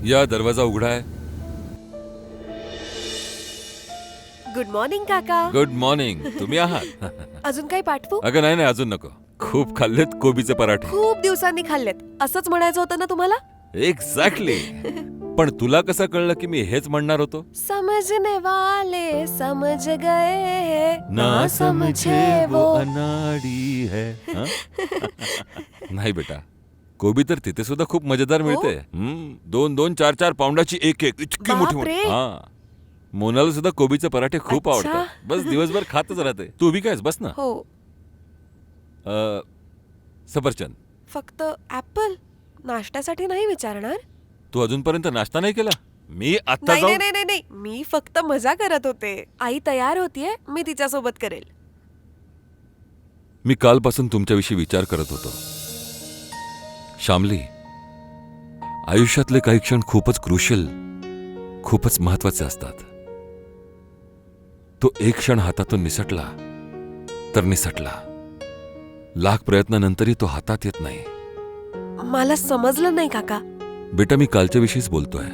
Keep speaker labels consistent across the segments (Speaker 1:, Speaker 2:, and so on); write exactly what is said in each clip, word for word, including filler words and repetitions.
Speaker 1: या दरवाजा उघडा आहे.
Speaker 2: गुड मॉर्निंग काका.
Speaker 1: Good morning. तुम्ही आहात?
Speaker 2: अजून काही पाठवू?
Speaker 1: अगं नाही नाही, अजून नको. खूप खाल्लेत कोबीचे पराठे.
Speaker 2: खूप दिवसांनी खाल्लेत असंच म्हणायचं होतं ना तुम्हाला.
Speaker 1: एक्झॅक्टली. पण तुला कसं कळलं की मी हेच म्हणणार होतो?
Speaker 2: समझने वाले समझ गए
Speaker 1: ना समझे वो अनाड़ी है. हं? नाही बेटा, कोबी तर तिथे सुद्धा खूप मजेदार मिळते. हं, दोन दोन चार चार पाऊंडाची एक एक इतकी मोठी मोठी.
Speaker 2: बापरे.
Speaker 1: हा, मोनाला सुद्धा कोबीचे पराठे खूप
Speaker 2: अच्छा.
Speaker 1: आवडतात. बस दिवसभर खातच राहते. तू उभी कायस, बस ना.
Speaker 2: हो.
Speaker 1: अ, सफरचंद.
Speaker 2: फक्त ऍपल नाश्त्यासाठी नाही विचारणार.
Speaker 1: तू अजूनपर्यंत नाश्ता नाही केला? मी आता
Speaker 2: नाही नाही
Speaker 1: जाऊन.
Speaker 2: नाही नाही नाही. मी फक्त मजा करत होते. आई तयार होतीये, मी तिच्या सोबत करेल.
Speaker 1: मी कालपासून तुमच्याविषयी विचार करत होतो. श्यामली, आयुष्यातले काही क्षण खूपच क्रुशियल, खूपच महत्वाचे असतात. तो एक क्षण हातातून निसटला तर निसटला. लाख प्रयत्नानंतरही तो हातात येत नाही.
Speaker 2: मला समजलं नाही काका.
Speaker 1: बेटा, मी कालच्या विषयीच बोलतोय.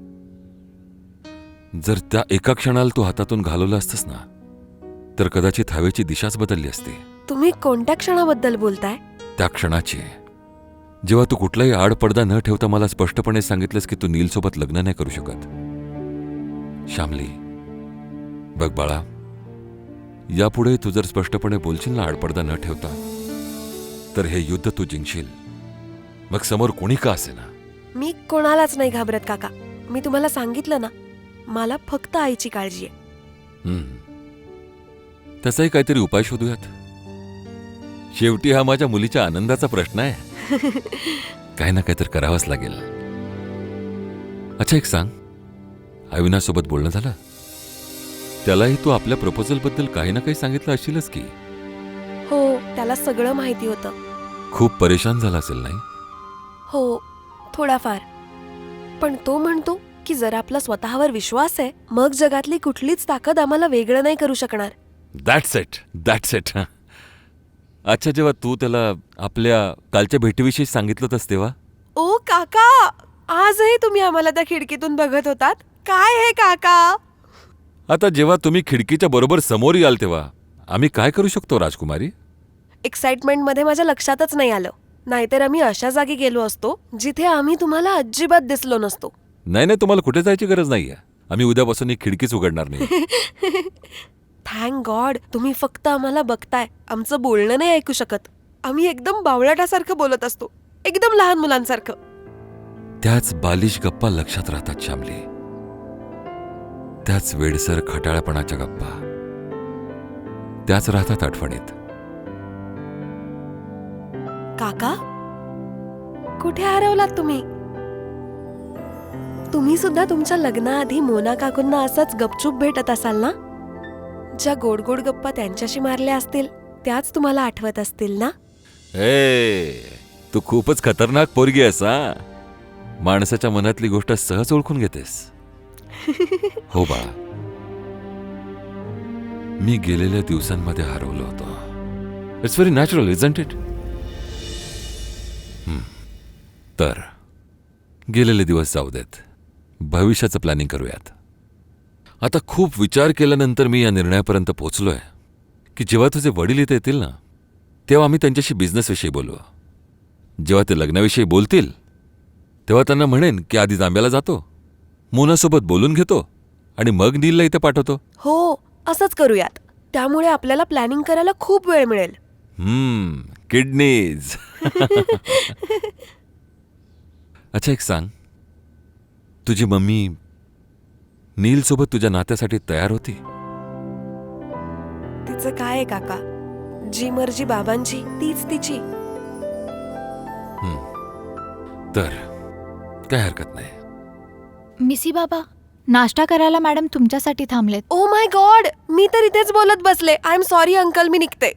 Speaker 1: जर त्या एका क्षणाला तू हातातून घालवलं असतंस ना, तर कदाचित हवेची दिशाच बदलली असती.
Speaker 2: तुम्ही कोणत्या क्षणाबद्दल बोलताय?
Speaker 1: त्या क्षणाची, जेव्हा तू कुठलाही आडपडदा न ठेवता मला स्पष्टपणे सांगितलंस की तू नीलसोबत लग्न नाही करू शकत. श्यामली, बघ बाळा, यापुढे तू जर स्पष्टपणे बोलशील ना आडपडदा न ठेवता, तर हे युद्ध तू जिंकशील. मग समोर कोणी का असेना.
Speaker 2: मी कोणालाच नाही घाबरत काका. मी तुम्हाला सांगितलं ना, मला फक्त आईची काळजी आहे.
Speaker 1: हम्म. तसाही काहीतरी उपाय शोधूयात. शेवटी हा माझ्या मुलीच्या आनंदाचा प्रश्न आहे. काही ना काहीतरी करावंच लागेल. अच्छा, एक सांग, अविनाशसोबत बोलणं झालं? त्यालाही तू आपल्या प्रपोजल बद्दल काही ना काही सांगितलं असशीलच की?
Speaker 2: हो, त्याला सगळं माहिती होतं.
Speaker 1: खूप परेशान झाला असेल, नाही?
Speaker 2: हो, थोडाफार. पण तो म्हणतो की जर आपला स्वतःवर विश्वास आहे, मग जगातली कुठलीच ताकद आम्हाला वेगळं नाही करू शकणार.
Speaker 1: That's it, that's it. अच्छा, जेव्हा तू त्याला आपल्या कालच्या भेटीविषयी सांगितलं होतंस तेव्हा?
Speaker 2: ओ काका, आजही तुम्ही आम्हाला त्या खिडकीतून बघत होतात. काय हे काका?
Speaker 1: आता जेव्हा तुम्ही खिडकीच्या बरोबर समोर याल तेव्हा आम्ही काय करू शकतो राजकुमारी?
Speaker 2: एक्साइटमेंट मध्ये माझ्या लक्षातच नाही आलं. नाहीतर आम्ही अशा जागी गेलो असतो जिथे आम्ही तुम्हाला अजिबात दिसलो नसतो.
Speaker 1: नाही नाही, तुम्हाला कुठे जायची गरज नाहीये. आम्ही उद्यापासून ही खिडकीच उघडणार नाही.
Speaker 2: थँक गॉड, तुम्ही फक्त आम्हाला बघताय, आमचं बोलणं नाही ऐकू शकत. आम्ही एकदम बावळटासारखं बोलत असतो, एकदम लहान मुलांसारखं.
Speaker 1: त्याच बालिश गप्पा लक्षात राहतात श्यामली. त्याच वेडसर खटाळपणाच्या गप्पा, त्याच राहतात आठवणीत.
Speaker 2: काका, कुठे हरवलात तुम्ही? तुम्ही सुद्धा तुमच्या लग्नाआधी मोना काकूंना असंच गपचूप भेटत असाल ना? ज्या गोड गोड गप्पा त्यांच्याशी मारल्या असतील त्याच तुम्हाला आठवत असतील ना?
Speaker 1: ए, तू खूपच खतरनाक पोरगी आहेस हा. माणसाच्या मनातली गोष्ट सहज ओळखून घेतेस. हो बाळा, मी गेलेल्या दिवसांमध्ये हरवलो होतो. It's very natural, isn't it? तर गेलेले दिवस जाऊ देत, भविष्याचं प्लॅनिंग करूयात. आता खूप विचार केल्यानंतर मी या निर्णयापर्यंत पोहोचलोय की जेव्हा तुझे वडील इथे येतील ना, तेव्हा आम्ही त्यांच्याशी बिझनेसविषयी बोलू. जेव्हा ते लग्नाविषयी बोलतील तेव्हा त्यांना म्हणेन की आधी जांब्याला जातो, मोनासोबत बोलून घेतो आणि मग नीलला इथे पाठवतो.
Speaker 2: हो, असंच करूयात. त्यामुळे आपल्याला प्लॅनिंग करायला खूप वेळ मिळेल.
Speaker 1: हम्म, किडनीज. अच्छा, एक सांग, तुझी मम्मी नील सोबत तुझ्या नात्यासाठी तयार होती?
Speaker 2: तिचं काय आहे काका, जी मर्जी बाबांची तीच तिची.
Speaker 1: तर काय हरकत नाही.
Speaker 3: मिसी बाबा, नाश्ता करायला मॅडम तुमच्यासाठी थांबलेत.
Speaker 2: ओ माय गॉड, मी तर इथेच बोलत बसले. आय एम सॉरी अंकल, मी निघते.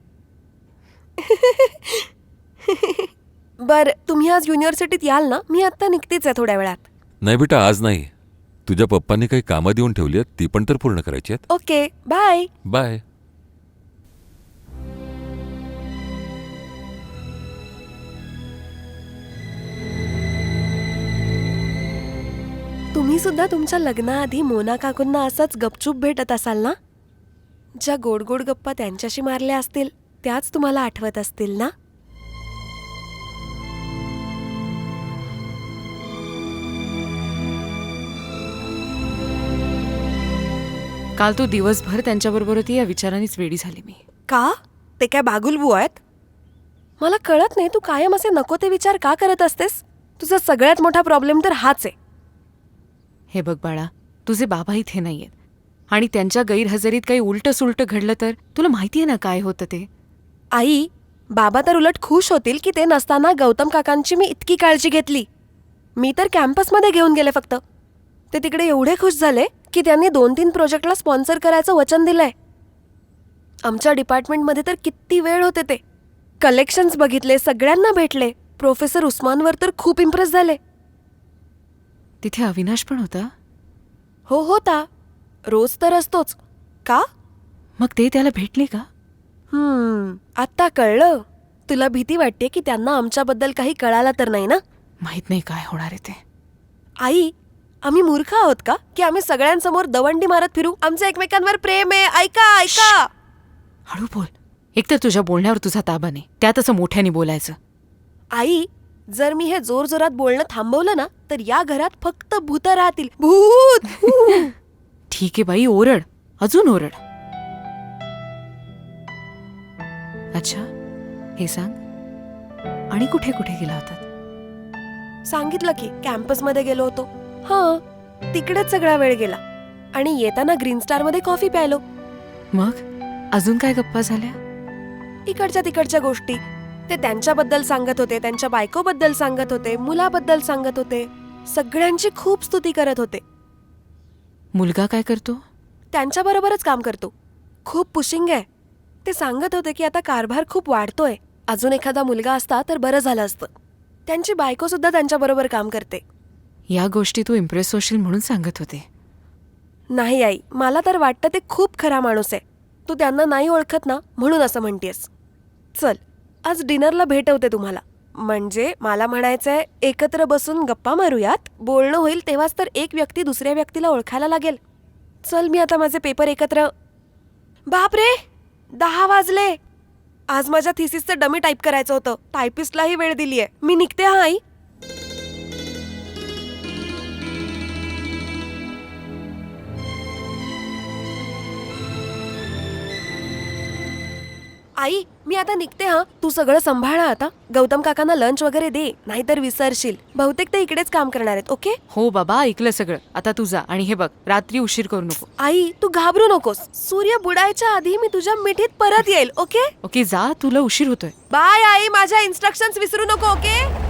Speaker 2: बर, तुम्ही आज युनिव्हर्सिटीत याल ना? मी आता निघतेच आहे थोड्या वेळात.
Speaker 1: नाही बेटा, आज नाही. तुझ्या पप्पांनी काही कामं देऊन ठेवली आहेत, ती पण तर पूर्ण करायची आहेत.
Speaker 2: Okay, bye.
Speaker 1: बाय.
Speaker 2: तुम्ही सुद्धा तुमच्या लग्नाआधी मोना काकूंना असंच गपचूप भेटत असाल ना? ज्या गोड गोड गप्पा त्यांच्याशी मारल्या असतील त्याच तुम्हाला आठवत असतील ना?
Speaker 4: काल तू दिवसभर त्यांच्याबरोबर होती या विचारानेच वेडी झाली मी.
Speaker 2: का? ते काय बागुलबू आहेत? मला कळत नाही तू कायम असे नको ते विचार का करत असतेस? तुझा सगळ्यात मोठा प्रॉब्लेम तर हाच आहे.
Speaker 4: हे बघ बाळा, तुझे बाबा इथे नाहीयेत आणि त्यांच्या गैरहजेरीत काही उलट सुलट घडलं तर तुला माहितीये ना काय होतं ते.
Speaker 2: आई, बाबा तर उलट खुश होतील की ते नसताना गौतम काकांची मी इतकी काळजी घेतली. मी तर कॅम्पसमध्ये घेऊन गेले फक्त. ते तिकडे एवढे खुश झाले की त्यांनी दोन तीन प्रोजेक्टला स्पॉन्सर करायचं वचन दिलंय. आमच्या डिपार्टमेंटमध्ये तर किती वेळ होते ते. कलेक्शन्स बघितले, सगळ्यांना भेटले. प्रोफेसर उस्मानवर तर खूप इम्प्रेस झाले.
Speaker 4: तिथे अविनाश पण होता.
Speaker 2: हो होता. रोज तर असतोच. का?
Speaker 4: मग ते त्याला भेटले का?
Speaker 2: हम्म आत्ता कळलं. तुला भीती वाटते की त्यांना आमच्याबद्दल काही कळालं तर नाही ना?
Speaker 4: माहित नाही काय होणार आहे ते.
Speaker 2: आई, आम्ही मूर्ख आहोत का की आम्ही सगळ्यांसमोर दवंडी मारत फिरू? आमचं एकमेकांवर प्रेम आहे. ऐका ऐका.
Speaker 4: हळू बोल. एकतर तुझ्या बोलण्यावर तुझा ताबा नाही, त्यात असं मोठ्याने बोलायचं.
Speaker 2: आई, जर मी हे जोर जोरात बोलणं थांबवलं ना तर या घरात फक्त भूत राहतील. भूत.
Speaker 4: ठीक आहे बाई, ओरड, अजून ओरड. अच्छा, हे सांग, आणि कुठे कुठे गेला होता?
Speaker 2: सांगितलं की कॅम्पसमध्ये गेलो होतो. हा, तिकडेच सगळा वेळ गेला. आणि येताना ग्रीन स्टार मध्ये कॉफी प्यायलो.
Speaker 4: मग अजून काय गप्पा झाल्या?
Speaker 2: इकडच्या तिकडच्या गोष्टी. ते त्यांच्याबद्दल सांगत होते, त्यांच्या बायकोबद्दल सांगत होते, मुलाबद्दल सांगत होते. सगळ्यांची खूप स्तुती करत होते.
Speaker 4: मुलगा काय करतो?
Speaker 2: त्यांच्याबरोबरच काम करतो. खूप पुशिंग आहे. ते सांगत होते की आता कारभार खूप वाढतोय. अजून एखादा मुलगा असता तर बरं झालं असतं. त्यांची बायको सुद्धा त्यांच्याबरोबर काम करते.
Speaker 4: या गोष्टी तू इम्प्रेस होशील म्हणून सांगत होते.
Speaker 2: नाही आई, मला तर वाटतं ते खूप खरा माणूस आहे. तू त्यांना नाही ओळखत ना म्हणून असं म्हणतेस. चल, आज डिनरला भेटवते तुम्हाला. म्हणजे मला म्हणायचंय, एकत्र बसून गप्पा मारूयात. बोलणं होईल तेव्हाच तर एक व्यक्ती दुसऱ्या व्यक्तीला ओळखायला लागेल. चल, मी आता माझे पेपर एकत्र. बापरे, दहा वाजले. आज माझ्या थिसिसचं डमी टाईप करायचं होतं. टायपिस्टलाही वेळ दिलीये. मी निघते हा आई. आई, मी आता निघते हा. तू सगळं सांभाळा आता. गौतम काकांना लंच वगैरे दे, नाहीतर विसरशील. बहुतेक ते इकडेच काम करणार आहेत. ओके?
Speaker 4: हो बाबा, ऐकलं सगळं. आता तू जा, आणि हे बघ, रात्री उशीर करू नको.
Speaker 2: आई, तू घाबरू नकोस. सूर्य बुडायच्या आधी मी तुझ्या मिठीत परत येईल. ओके?
Speaker 4: ओके, जा, तुला उशीर होतोय.
Speaker 2: बाय आई. माझ्या इन्स्ट्रक्शन्स विसरू नको. ओके?